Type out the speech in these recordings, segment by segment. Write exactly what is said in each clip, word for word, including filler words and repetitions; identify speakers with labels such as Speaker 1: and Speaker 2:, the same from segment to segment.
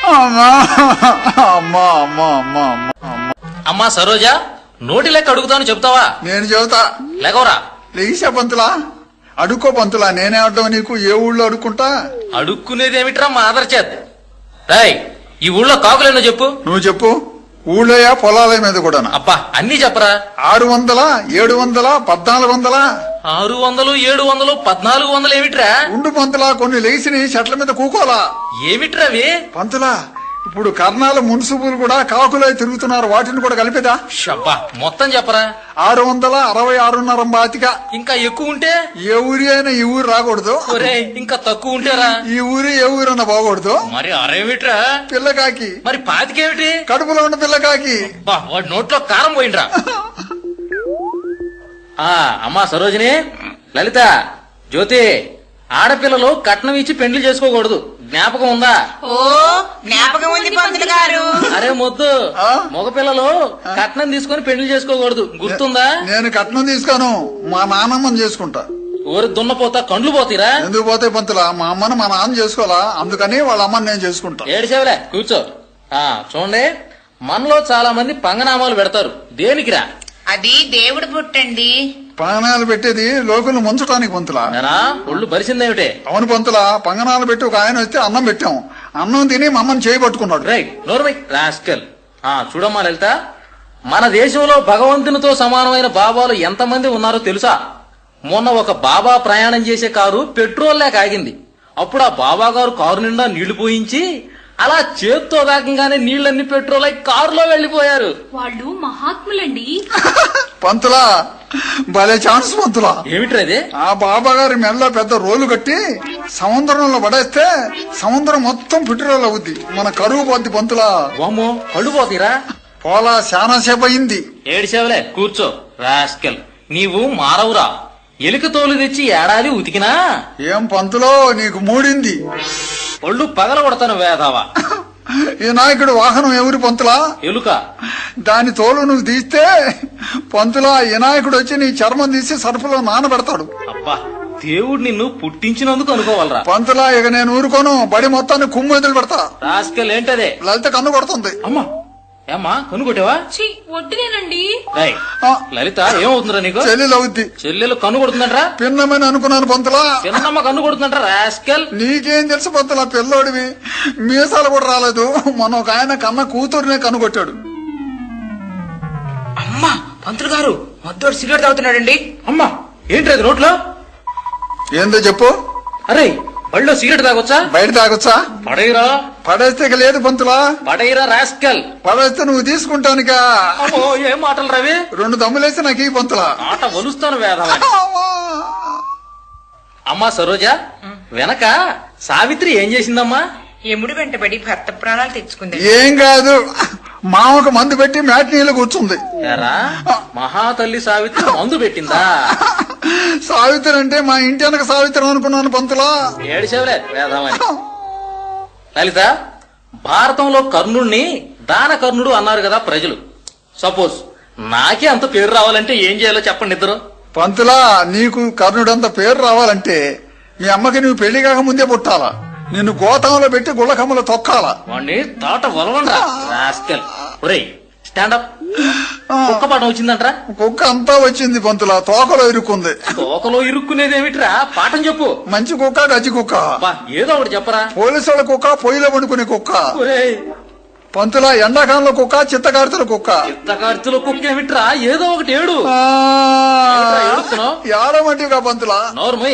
Speaker 1: అమ్మా అమ్మా అమ్మా అమ్మా
Speaker 2: అమ్మా సరోజా, నోటి లెక్క అడుగుతాను చెప్తావా?
Speaker 1: నేను చెబుతా.
Speaker 2: లేకవరా.
Speaker 1: లేచా పంతులా, అడుక్కో పంతులా. నేనే అడ్డం నీకు. ఏ ఊళ్ళో అడుక్కుంటా?
Speaker 2: అడుక్కునేది ఏమిట్రా మా ఆదర్ చేత్. రాయ్, ఈ ఊళ్ళో కాకులేనో చెప్పు.
Speaker 1: నువ్వు చెప్పు. ఊళ్ళోయా పొలాల మీద కూడా?
Speaker 2: అబ్బా అన్ని చెప్పరా.
Speaker 1: ఆరు వందల ఏడు వందల పద్నాలుగు వందల
Speaker 2: ఆరు వందలు ఏడు వందలు పద్నాలుగు వందలు ఏమిట్రా?
Speaker 1: ఉండు పంతులా, కొన్ని లేచిని చెట్ల మీద కూకోలా.
Speaker 2: ఏమిట్రా అవి?
Speaker 1: పంతులా, ఇప్పుడు కర్ణాల మున్సిపులు కూడా కాకులై తిరుగుతున్నారు. వాటిని కూడా కలిపేదా?
Speaker 2: షబ్బా మొత్తం చెప్పరా.
Speaker 1: ఆరు వందల అరవై ఆరున్నర బాతిక.
Speaker 2: ఇంకా ఎక్కువ ఉంటే?
Speaker 1: ఏ ఊరి అయినా ఈ ఊరు రాకూడదు.
Speaker 2: ఒరే, ఇంకా తక్కువ ఉంటేరా?
Speaker 1: ఈ ఊరి ఏ ఊరన్నా బాగూడదు.
Speaker 2: మరి అరేమిట్రా?
Speaker 1: పిల్లకాకి.
Speaker 2: మరి పాతికేమిటి?
Speaker 1: కడుపులో ఉన్న పిల్లకాకి.
Speaker 2: వాడి నోట్లో కారం పోయిండ్రా. ఆ అమ్మా సరోజిని, లలిత, జ్యోతి, ఆడపిల్లలు కట్నం ఇచ్చి పెండ్లి చేసుకోకూడదు. జ్ఞాపకం ఉందా?
Speaker 3: ఓ జ్ఞాపకం ఉంది పంతులు గారు.
Speaker 2: అరే మొద్దు, మగపిల్లలు కట్నం తీసుకొని పెండ్లి చేసుకోకూడదు. గుర్తుందా?
Speaker 1: నేను కట్నం తీసుకోను, మా నాన్నమ్మని చేసుకుంటా.
Speaker 2: ఊరి దున్నపోతా కండ్లు పోతీరా?
Speaker 1: ఎందుకు పోతే పంతులా, మా అమ్మని మా నాన్న చేసుకోవాలా, అందుకని వాళ్ళ అమ్మని నేను చేసుకుంటా.
Speaker 2: ఏడిసేవలే, కూర్చో. ఆ చూడండి, మనలో చాలా మంది పంగనామాలు పెడతారు. దేనికిరా?
Speaker 3: అది దేవుడు పుట్టండి.
Speaker 1: పంగనాలు పెట్టేది లోకులు ముంచడానికి పంతులా.
Speaker 2: నేనా ఒళ్ళు బరిసిందేమిటే?
Speaker 1: అవును పంతులా, పంగనాలు పెట్టి ఒక ఆయన వస్తే అన్నం పెట్టాం. అన్నం తిని మా అమ్మని చేయి పట్టుకున్నాడు.
Speaker 2: రైట్, నోర్మై రాస్కల్. ఆ చూడమ్మా లలిత, మన దేశంలో భగవంతునితో సమానమైన బాబాలు ఎంతమంది ఉన్నారో తెలుసా? మొన్న ఒక బాబా ప్రయాణం చేసే కారు పెట్రోల్ లేక ఆగింది. అప్పుడు ఆ బాబా గారు కారు నిండా నీళ్లు పోయించి అలా చేత్తో వేగంగానే నీళ్లన్నీ పెట్రోల్ అయి కారులో వెళ్లిపోయారు.
Speaker 4: వాళ్ళు మహాత్ములండి.
Speaker 1: పంతులా, భలే ఛాన్స్ పంతులా.
Speaker 2: ఏమిట్రది?
Speaker 1: ఆ బాబా గారి మెల్ల పెద్ద రోలు కట్టి సముద్రంలో పడేస్తే సముద్రం మొత్తం పెట్రోల్ అవుద్ది. మన కరువు పోద్ది పంతులా.
Speaker 2: వామ్మో, కళ్ళు పోతీరా?
Speaker 1: పోలా, చాలా సేపు అయింది.
Speaker 2: ఏడిసేవలే, కూర్చో రాస్కల్. నీవు మారవురా. ఎలుక తోలు తెచ్చి ఏడాది ఉతికినా
Speaker 1: ఏం పంతులో, నీకు మూడింది.
Speaker 2: ఒళ్ళు పగల కొడతాను వేదావా.
Speaker 1: ఈ నాయకుడు వాహనం ఎవరి పంతులా?
Speaker 2: ఎలుక.
Speaker 1: దాని తోలు నువ్వు తీస్తే పంతులా, ఈ నాయకుడు వచ్చి నీ చర్మం తీసి సరుపులో నానబెడతాడు.
Speaker 2: అబ్బా, దేవుడు నిన్ను పుట్టించినందుకు అనుకోవాలరా.
Speaker 1: పంతులా, ఇక నేను ఊరుకోను. బడి మొత్తాన్ని కుమ్ము ఎదులు పెడతా.
Speaker 2: రాస్కల్ ఏంటదే?
Speaker 1: లలిత కన్ను కొడుతుంది.
Speaker 2: అమ్మా, ఏమ్మా కన్ను కొట్టావా?
Speaker 4: ఛీ, వడ్డునేనండి.
Speaker 2: రేయ్, లలిత ఏమవుతుందిరా నీకు?
Speaker 1: చెల్లెలు అవుద్ది.
Speaker 2: చెల్లెలు కన్ను కొడుతుందంట్రా?
Speaker 1: పిన్నమని అనుకున్నాను పంతులా.
Speaker 2: చిన్నమ్మ కన్ను కొడుతుందంట్రా రాస్కల్.
Speaker 1: నీకేం తెలుసు పంతులా, పిల్లోడివి. మీసాలు కూడా రాలేదు. మన ఒక ఆయన కన్న కూతురునే కనుగొట్టాడు.
Speaker 3: అమ్మా పంతులు గారు, మొద్దోడు సిగరెట్ తాగుతున్నాడండి.
Speaker 2: అమ్మా, ఏంట్రది నోట్లో?
Speaker 1: ఏందో చెప్పు.
Speaker 2: అరే, బళ్ళో సిగరెట్ తాగొచ్చా?
Speaker 1: బయట తాగొచ్చా?
Speaker 2: పడైరా.
Speaker 1: పడేస్తే ఇక లేదు పంతులా.
Speaker 2: పడైరా రాస్కల్.
Speaker 1: పడేస్తే నువ్వు తీసుకుంటానుక.
Speaker 2: అమ్మో, ఏం మాటలు రవి?
Speaker 1: రెండు దమ్ములేసి నాకు ఈ పంతులా.
Speaker 2: ఆట వలుస్తాను వేదవా. అమ్మా సరోజా, వెనక సావిత్రి ఏం చేసిందమ్మా?
Speaker 3: ఎముడు వెంటబడి భర్త ప్రాణాలు తెచ్చుకుంది.
Speaker 1: ఏం కాదు, మామకు మందు పెట్టి మ్యాట్నీలో కూర్చుంది.
Speaker 2: ఎరా, మహాతల్లి సావిత్రి మందు పెట్టిందా?
Speaker 1: సావిత్రి అంటే మా ఇంటి వెనక సావిత్రి అనుకున్నాను పంతులా.
Speaker 2: ఏడిసేవలే వేదమని. లలిత, భారతంలో కర్ణుడిని దాన కర్ణుడు అన్నారు కదా ప్రజలు. సపోజ్ నాకే అంత పేరు రావాలంటే ఏం చేయాలో చెప్పండి ఇద్దరు.
Speaker 1: పంతులా, నీకు కర్ణుడంత పేరు రావాలంటే మీ అమ్మకి నువ్వు పెళ్లి కాక ముందే పుట్టాలా. నిన్ను గోతంలో పెట్టి గుళ్ళకమ్మలో తొక్కాలా.
Speaker 2: వాణ్ణి తాట వలవండ్రా రాస్కల్. ఒరేయ్, స్టాండప్. కుక్క పాఠం వచ్చిందంట్రా?
Speaker 1: కుక్క అంతా వచ్చింది పంతులా, తోకలో ఇరుక్కుంది.
Speaker 2: తోకలో ఇరుక్కునేది ఏమిట్రా? పాఠం చెప్పు.
Speaker 1: మంచి కుక్క, గజ్జి కుక్క.
Speaker 2: బా, ఏదో ఒకటి చెప్పరా.
Speaker 1: పోలీసు వాళ్ళ కుక్క, పొయ్యిలో వండుకునే కుక్క.
Speaker 2: ఒరేయ్,
Speaker 1: పంతులా, ఎండాకాలంలో కుక్క, చిత్తకార్తెల కుక్క.
Speaker 2: చిత్తకార్తెల కుక్క ఏమిట్రా? ఏదో ఒకటి ఏడు.
Speaker 1: ఏడమంటివిగా పంతులా.
Speaker 2: నోర్మై.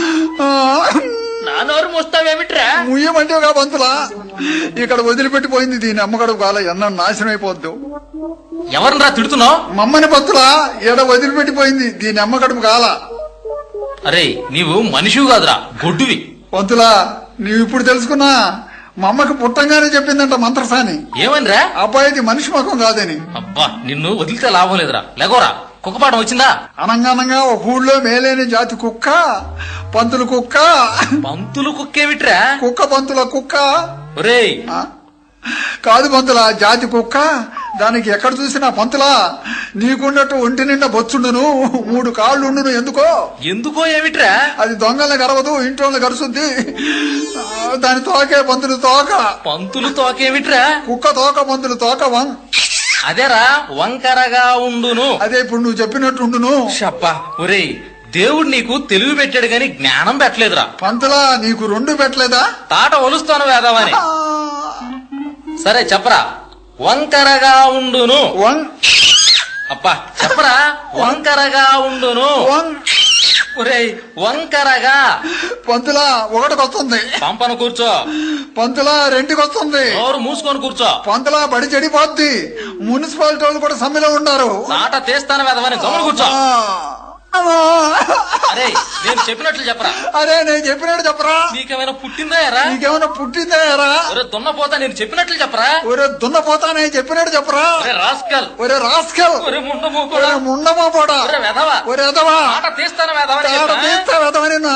Speaker 2: నా నోరు మోస్తావేమిట్రా?
Speaker 1: ముయ్యమంటివిగా పంతులా. ఇక్కడ వదిలిపెట్టిపోయింది దీని అమ్మగడుపు కాల, ఎన్న నాశనం అయిపోద్దు.
Speaker 2: ఎవరినరా తిడుతున్నావు?
Speaker 1: మమ్మని పంతులా, ఎడ వదిలిపెట్టిపోయింది దీని అమ్మగడుపు కాల.
Speaker 2: అరే, నీవు మనిషివి కాదురా, గొడ్డువి.
Speaker 1: పంతులా, నీవు ఇప్పుడు తెలుసుకున్నా. మా అమ్మకి పుట్టంగానే చెప్పిందంట మంత్రసాని.
Speaker 2: ఏమనిరా?
Speaker 1: అబ్బాయిది మనిషి ముఖం కాదని.
Speaker 2: అబ్బా, నిన్ను వదిలితే లాభం లేదురా. లేకోరా, కుక్కపాఠం వచ్చిందా?
Speaker 1: అనంగానంగా ఒక ఊళ్ళో మేలేని జాతి కుక్క, పంతులు కుక్క.
Speaker 2: పంతులు కుక్కేమిట్రా?
Speaker 1: కుక్క పంతుల కుక్క.
Speaker 2: ఒరేయ్,
Speaker 1: కాదు పంతుల, జాతి కుక్క దానికి ఎక్కడ చూసినా పంతులా నీకున్నట్టు ఒంటి నిండా బొచ్చుండును, మూడు కాళ్ళుండును. ఎందుకో
Speaker 2: ఎందుకో ఏమిట్రా?
Speaker 1: అది దొంగల్ని గరవదు, ఇంట్లో గరుస్తుంది. దాని తోకే పంతులు తోక.
Speaker 2: పంతులు తోకేమిట్రా?
Speaker 1: కుక్క తోక పంతులు తోక వం.
Speaker 2: అదేరా వంకరగా ఉండును.
Speaker 1: అదే ఇప్పుడు నువ్వు చెప్పినట్టు ఉండును.
Speaker 2: షబ్బా ఒరేయ్, దేవుడు నీకు తెలివి పెట్టాడు గాని జ్ఞానం పెట్టలేదురా.
Speaker 1: పంతులా నీకు రెండు పెట్టలేదా?
Speaker 2: తాట ఒలుస్తాను వేదవని. సరే చెప్పరా. వంకరగా ఉండును.
Speaker 1: వన్
Speaker 2: అబ్బా చెప్పరా. వంకరగా ఉండును.
Speaker 1: వన్.
Speaker 2: ఒరేయ్ వంకరగా.
Speaker 1: పంతులా ఒకటికొస్తుంది.
Speaker 2: పంపను కూర్చో.
Speaker 1: పంతులా రెండుకొస్తుంది.
Speaker 2: నోరు మూసుకొని కూర్చో.
Speaker 1: పంతులా బడి చెడిపోద్ది. మున్సిపాలిటీ వాళ్ళు కూడా సమ్మెలో ఉన్నారు.
Speaker 2: తాట తీస్తాను వేదవని గమని కూర్చో.
Speaker 1: అమ్మా.
Speaker 2: అరే నేను చెప్పినట్లు చెప్పరా.
Speaker 1: అరే నేను చెప్పినట్టు చెప్పరా.
Speaker 2: నీకేమైనా పుట్టిందా ఎరా?
Speaker 1: నీకేమైనా పుట్టిందా ఎరా?
Speaker 2: ఒరే దున్నపోతా నేను చెప్పినట్లు చెప్పరా.
Speaker 1: ఒరే దున్నపోతా నేను చెప్పినట్టు చెప్పరా.
Speaker 2: ఒరే రాస్కల్.
Speaker 1: ఒరే రాస్కల్.
Speaker 2: ఒరే ముండము కూడా.
Speaker 1: ఒరే ముండమా పోడా.
Speaker 2: ఒరే వెధవా.
Speaker 1: ఒరే ఎదవా.
Speaker 2: తాట తీస్తాను వేదవని
Speaker 1: తాట
Speaker 2: చెప్పరా.
Speaker 1: తీస్తా వెదవని నా.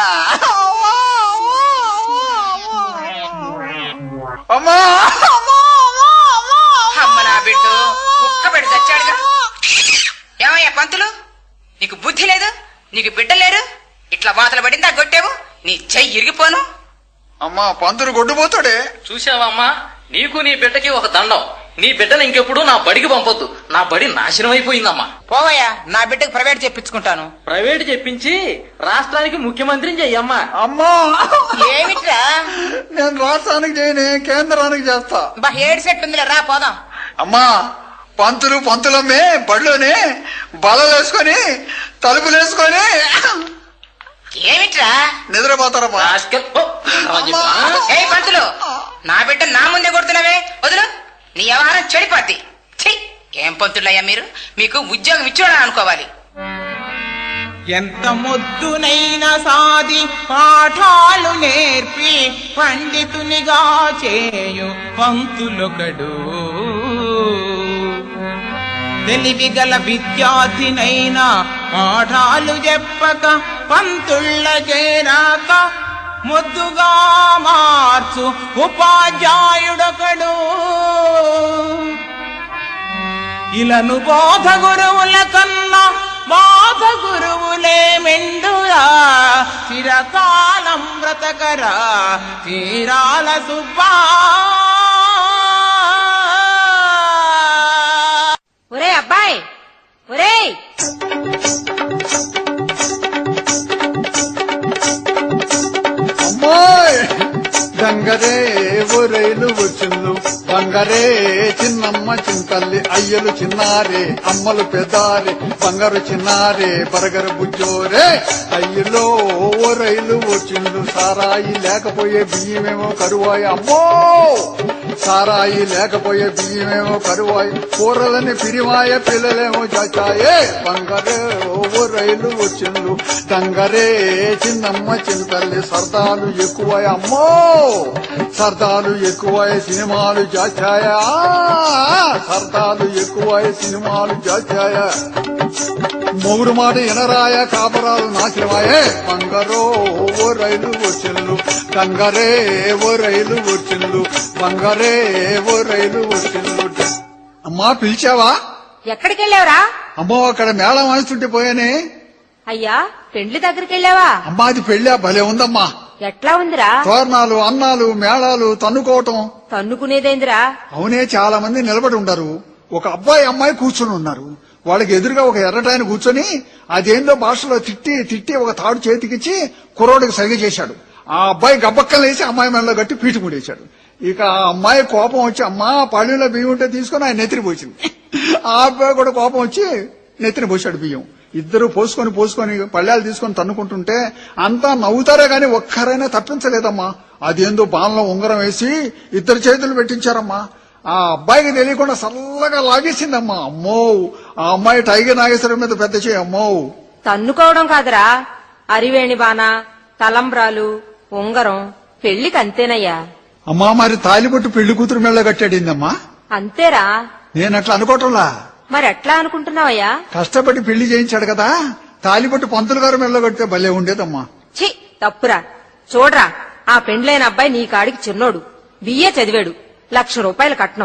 Speaker 1: అమ్మా.
Speaker 3: అమ్మ నా బిడ్డు కుక్క పెడి చచ్చాడుగా. ఏమయ్యా పంతులు, నీకు బుద్ధి లేదు, నీకు బిడ్డ లేరు, ఇట్లా వాతలు పడిందా గొట్టేవు, నీ చెయ్యి ఇరిగిపోను.
Speaker 1: అమ్మా పంతులు గొడ్డుపోతాడే.
Speaker 2: చూసావమ్మా, నీకు నీ బిడ్డకి ఒక దండం. నీ బిడ్డను ఇంకెప్పుడు నా బడికి పంపొద్దు. నా బడి నాశనం అయిపోయిందమ్మా.
Speaker 3: పోవయ్యా, నా బిడ్డకు ప్రైవేట్ చెప్పించుకుంటాను.
Speaker 2: ప్రైవేట్ చెప్పించి రాష్ట్రానికి ముఖ్యమంత్రిని చెయ్యమ్మా.
Speaker 1: అమ్మా
Speaker 3: ఏమిట్రా?
Speaker 1: నేను రాష్ట్రానికి చేయని కేంద్రానికి చేస్తా.
Speaker 3: బా ఏడు సెట్ ఉందిలే, రా పోదాం.
Speaker 1: అమ్మా పంతులు పంతులమ్మే బడిలోనే బలలేసుకొని తలుపులేసుకొని
Speaker 3: ఏమిట్రా?
Speaker 1: నిద్రపోతారమ్మా.
Speaker 2: రాస్కల్. ఓ, ఏంట్రా చెప్పు.
Speaker 3: ఏ పంతులు, నా బిడ్డ నా ముందే కొడుతున్నావే, వదులు. నీ వ్యవహారం చెడిపోద్ది. ఛీ, ఏం పంతులయ్యా మీరు, మీకు ఉద్యోగం ఇచ్చోడా అనుకోవాలి.
Speaker 5: ఎంత మొద్దునైనా సాది పాఠాలు నేర్పి పండితునిగా చేయు పంతులొకడు. తెలివిగల విద్యార్థినైనా పాఠాలు చెప్పక పంతుళ్ళ చేరాక మొద్దుగా మార్చు ఉపాధ్యాయుడొకడు. ఇలను బోధ గురువుల కన్నా బాధ గురువులే మెండురా. చిరకాలం బ్రతకరా తీరాల సుబ్బా.
Speaker 6: ఒరే అబ్బాయి, ఒరే
Speaker 1: అమ్మాయి గంగరే ఓ రైలు వచ్చిండు. బంగారే చిన్నమ్మ చింతల్లి అయ్యలు చిన్నారే అమ్మలు పెదారే బంగారు చిన్నారే బరగరు బుజ్జోరే. అయ్యలో ఓ రైలు వచ్చిండు. సారాయి లేకపోయే బియ్యమేమో కరువాయి. అమ్మో సారాయి లేకపోయే బియ్యమేమో కరువాయి. కూరలని పిరివాయ పిల్లలేమో చాచాయే. బంగారే ఓ రైలు వచ్చిండు. దంగరే చిన్నమ్మ చింతల్లి సరదాలు ఎక్కువై. అమ్మో సరదాలు ఎక్కువై సినిమాలు జాచాయా. సరదాలు ఎక్కువై సినిమాలు జాచాయా. మొగుడు మాట ఎనరాయ కాపరాలు నాశనమాయే. బంగారో ఓ రైలు వచ్చిండు. దంగరే ఓ రైలు వచ్చిండు. బంగారే ఓ రైలు వచ్చిండు. అమ్మా పిలిచావా?
Speaker 6: ఎక్కడికి వెళ్ళావురా?
Speaker 1: అమ్మో అక్కడ మేళం వాయిస్తుంటే పోయానే.
Speaker 6: అయ్యా పెండ్లి దగ్గరికి వెళ్ళావా?
Speaker 1: అమ్మా అది పెళ్ళా భలే ఉందమ్మా.
Speaker 6: ఎట్లా ఉందిరా?
Speaker 1: తోరణాలు అన్నాలు మేళాలు తన్నుకోవటం.
Speaker 6: తన్నుకునేదేందిరా?
Speaker 1: అవునే చాలా మంది నిలబడి ఉండరు. ఒక అబ్బాయి అమ్మాయి కూర్చుని ఉన్నారు. వాళ్ళకి ఎదురుగా ఒక ఎర్రటాయన కూర్చొని అదేందో భాషలో తిట్టి తిట్టి ఒక తాడు చేతికిచ్చి కుర్రోడికి సరిగ చేశాడు. ఆ అబ్బాయి గబ్బక్కలు వేసి అమ్మాయి మెడలో గట్టి పీటు ముడేశాడు. ఇక ఆ అమ్మాయి కోపం వచ్చి అమ్మా పళ్ళులో బియ్యం ఉంటే తీసుకుని ఆయన నెత్తిని పోసింది. ఆ అబ్బాయి కూడా కోపం వచ్చి నెత్తిని పోశాడు బియ్యం. ఇద్దరు పోసుకొని పోసుకొని పళ్ళాలు తీసుకొని తన్నుకుంటుంటే అంతా నవ్వుతారే గాని ఒక్కరైనా తప్పించలేదమ్మా. అదేందో బాణలో ఉంగరం వేసి ఇద్దరు చేతులు పెట్టించారమ్మా. ఆ అబ్బాయికి తెలియకుండా సల్లగా లాగేసిందమ్మా. అమ్మో ఆ అమ్మాయి టైగర్ నాగేశ్వరం మీద పెద్ద చేయి. అమ్మో
Speaker 6: తన్నుకోవడం కాదురా, అరివేణి బాణ, తలంబ్రాలు, ఉంగరం పెళ్లికి అంతేనయ్యా.
Speaker 1: అమ్మా మరి తాలిబొట్టు పెళ్లి కూతురు మెళ్ళ కట్టాడిందమ్మా.
Speaker 6: అంతేరా.
Speaker 1: నేనట్లా అనుకోవటంలా.
Speaker 6: మరి ఎట్లా అనుకుంటున్నావయ్యా?
Speaker 1: కష్టపడి పెళ్లి చేయించాడు కదా, తాలిబొట్టు పంతులు గారు మెళ్ళ కడితే భలే ఉండేదమ్మా.
Speaker 6: ఛీ తప్పురా. చూడరా, ఆ పెండ్లైన అబ్బాయి నీ కాడికి చిన్నోడు, బిఏ చదివాడు, లక్ష రూపాయలు కట్నం.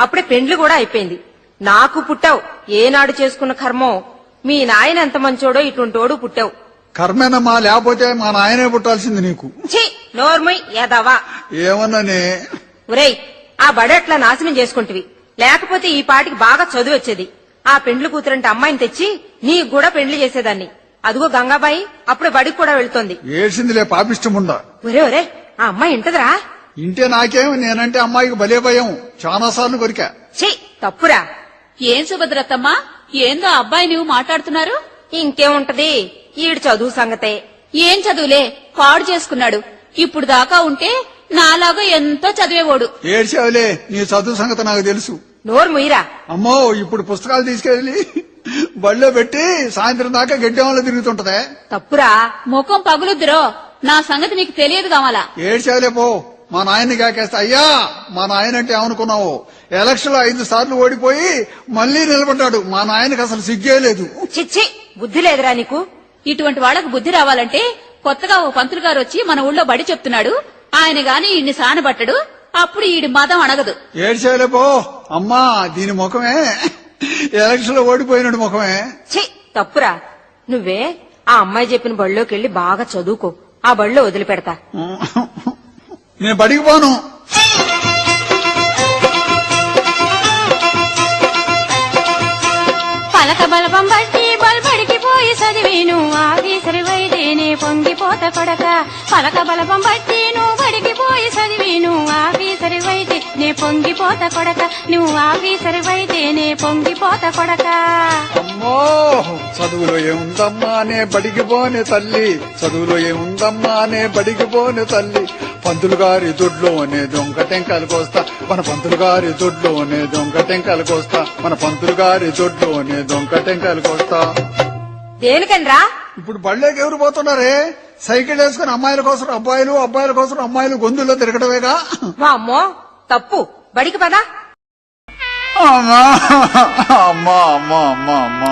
Speaker 6: అప్పుడే పెండ్లి కూడా అయిపోయింది. నాకు పుట్టావు, ఏనాడు చేసుకున్న కర్మో. మీ నాయన ఎంత మంచోడో ఇటుంటోడు పుట్టావు.
Speaker 1: కర్మేనమ్మా, లేకపోతే మా నాయనే పుట్టాల్సింది నీకు.
Speaker 6: ఛీ, నోర్మయ్ యదవా.
Speaker 1: ఏమన్నానే?
Speaker 6: ఒరేయ్, ఆ బడట్లా నాశనం చేసుకుంటివి, లేకపోతే ఈ పాటికి బాగా చదువు వచ్చేది. ఆ పెండ్లి కూతురంటే అమ్మాయిని తెచ్చి నీకు కూడా పెండ్లి చేసేదాన్ని. అదిగో గంగాబాయి అప్పుడే బడికి కూడా వెళ్తోంది.
Speaker 1: ఏడ్చిందిలే పాపిష్టముండా.
Speaker 6: ఒరే ఒరే, ఆ అమ్మాయి ఇంటదిరా.
Speaker 1: ఇంటే నాకేం, నేనంటే అమ్మాయికి భలే భయం, చాలా సార్లు కొరికా.
Speaker 6: ఛీ, తప్పురా.
Speaker 4: ఏం సుభద్రత్తమ్మ, ఏందో అబ్బాయి నువ్వు మాట్లాడుతున్నారు?
Speaker 6: ఇంకేముంటది, ఈడు చదువు సంగతే.
Speaker 4: ఏం చదువులే, పాడు చేసుకున్నాడు. ఇప్పుడు దాకా ఉంటే నాలాగా ఎంతో చదివేవాడు.
Speaker 1: ఏడ్చావులే, నీ చదువు సంగతి నాకు తెలుసు.
Speaker 6: నోరు ముయిరా.
Speaker 1: అమ్మో, ఇప్పుడు పుస్తకాలు తీసుకెళ్లి బళ్ళో పెట్టి సాయంత్రం దాకా గడ్డెంలో తిరుగుతుంటదే.
Speaker 6: తప్పురా.
Speaker 4: ముఖం పగులుద్దురో, నా సంగతి నీకు తెలియదు కావాలా?
Speaker 1: ఏడ్చావులే పో. మా నాయన్ని కాకేస్తా. అయ్యా, మా నాయన అంటే ఏమనుకున్నావు? ఎలక్షన్ లో ఐదు సార్లు ఓడిపోయి మళ్లీ నిలబడ్డాడు. మా నాయనకి అసలు సిగ్గే లేదు.
Speaker 6: చిచ్చి, బుద్ధి లేదురా నీకు.
Speaker 4: ఇటువంటి వాళ్ళకు బుద్ధి రావాలంటే కొత్తగా ఓ పంతులు గారు వచ్చి మన ఊళ్ళో బడి చెప్తున్నాడు. ఆయన గాని ఇన్ని సానబట్టడు, అప్పుడు ఈడి మదం అణగదు.
Speaker 1: ఏడ్చావులే పో. అమ్మా, దీని ముఖమే ఎలక్షన్ లో ఓడిపోయినాడు ముఖమే.
Speaker 6: ఛీ, తప్పురా. నువ్వే ఆ అమ్మాయి చెప్పిన బడిలోకి వెళ్లి బాగా చదువుకో. ఆ బడిలో వదిలిపెడతా.
Speaker 1: నేను బడికి పోను.
Speaker 7: పలక బలపం బట్టి బల్బడికి పోయి చదివేను ఆఫీసరి వైదేనే పొంగిపోత కొడక. పలక బలపం బట్టి నువ్వు బడికి పోయి చదివేను ఆఫీసరి వైతే నే పొంగిపోత కొడక. నువ్వు ఆఫీసరి వైదేనే పొంగిపోత కొడక.
Speaker 1: అమ్మో, చదువులో ఏముందమ్మా నే బడికి పోనే తల్లి, చదువులో ఏముందమ్మా నే బడికి పోనే తల్లి. పంతులు గారి దొడ్లోనే దొంగ టెంకాయలు కోస్తా, మన పంతులు గారి దొడ్లోనే దొంగ టెంకాయలు కోస్తా, మన పంతులు గారి దొడ్లోనే దొంగ టెంకాయలు కోస్తా.
Speaker 6: దేనికనరా?
Speaker 1: ఇప్పుడు బళ్ళేకి ఎవరు పోతున్నారే? సైకిల్ వేసుకుని అమ్మాయిల కోసం అబ్బాయిలు, అబ్బాయిల కోసం అమ్మాయిలు గొంతుల్లో తిరగడమేగా.
Speaker 6: వామ్మో, తప్పు. బడికి పదా.
Speaker 1: అమ్మా అమ్మా అమ్మా అమ్మా అమ్మా